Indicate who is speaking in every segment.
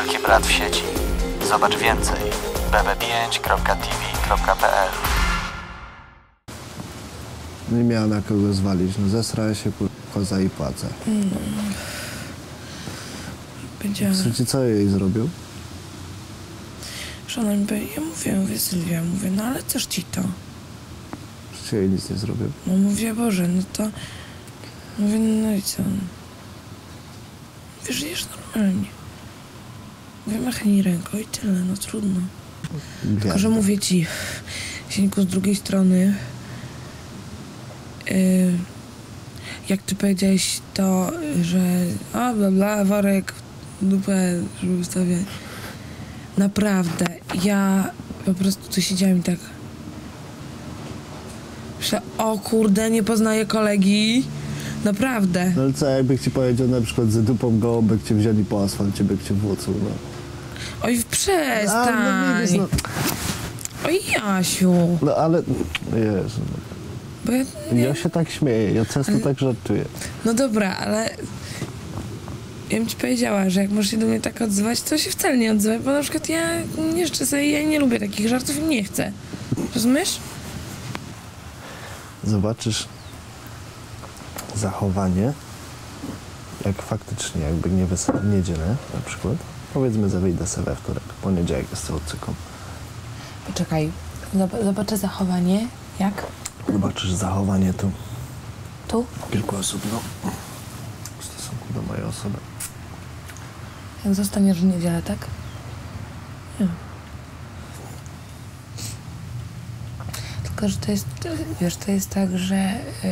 Speaker 1: Wielki Brat w sieci. Zobacz więcej. bb5.tv.pl.
Speaker 2: Nie miała na kogo zwalić, no zesrała się koza i płacę. Słuchajcie, co jej zrobił?
Speaker 3: Że ona mi powie, ja mówię Sylwia, no ale też ci to.
Speaker 2: Przecież jej nic nie zrobił.
Speaker 3: No mówię, Boże, no to... Mówię, no i co? Mówię, żyjesz normalnie. Mówię, machnij ręką i tyle, no trudno. Tylko, że mówię ci, Sieńku, z drugiej strony, jak ty powiedziałeś to, że bla bla, worek, dupę, żeby ustawiać. Naprawdę, ja po prostu tu siedziałam i tak myślę, o kurde, nie poznaję kolegi. Naprawdę.
Speaker 2: No ale co, jakby ci powiedział na przykład z dupą gołąbek cię wzięli po asfalcie, by cię włócł, no.
Speaker 3: Oj, przestań.
Speaker 2: No widzisz, no.
Speaker 3: Oj, Jasiu.
Speaker 2: No ale, Jezu,
Speaker 3: Bo
Speaker 2: ja się tak śmieję, ja często tak żartuję.
Speaker 3: No dobra, ale ja bym ci powiedziała, że jak możesz się do mnie tak odzywać, to się wcale nie odzywaj, bo na przykład ja nie życzę sobie, ja nie lubię takich żartów i nie chcę. Rozumiesz?
Speaker 2: Zobaczysz zachowanie, jak faktycznie, jakby nie w niedzielę na przykład, powiedzmy, że wyjdę sobie we wtorek, poniedziałek jest całocyką.
Speaker 3: Poczekaj, zobaczę zachowanie, jak?
Speaker 2: Zobaczysz zachowanie tu.
Speaker 3: Tu?
Speaker 2: Kilku osób, no, w stosunku do mojej osoby.
Speaker 3: Jak zostaniesz w niedzielę, tak? Nie. Tylko, że to jest, wiesz, to jest tak, że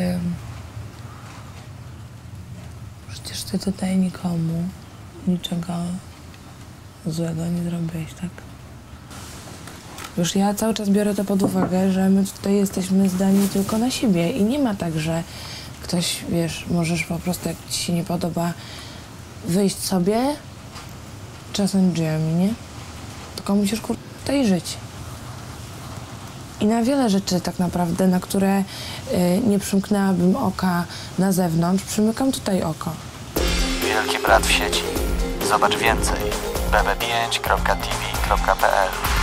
Speaker 3: przecież ty tutaj nikomu niczego złego nie zrobiłeś, tak? Już ja cały czas biorę to pod uwagę, że my tutaj jesteśmy zdani tylko na siebie i nie ma tak, że ktoś, wiesz, możesz po prostu, jak ci się nie podoba, wyjść sobie, czasem drzwiami, nie? Tylko musisz, tutaj żyć. I na wiele rzeczy tak naprawdę, na które nie przymknęłabym oka na zewnątrz, przymykam tutaj oko.
Speaker 1: Wielki Brat w sieci. Zobacz więcej. bb5.tv.pl.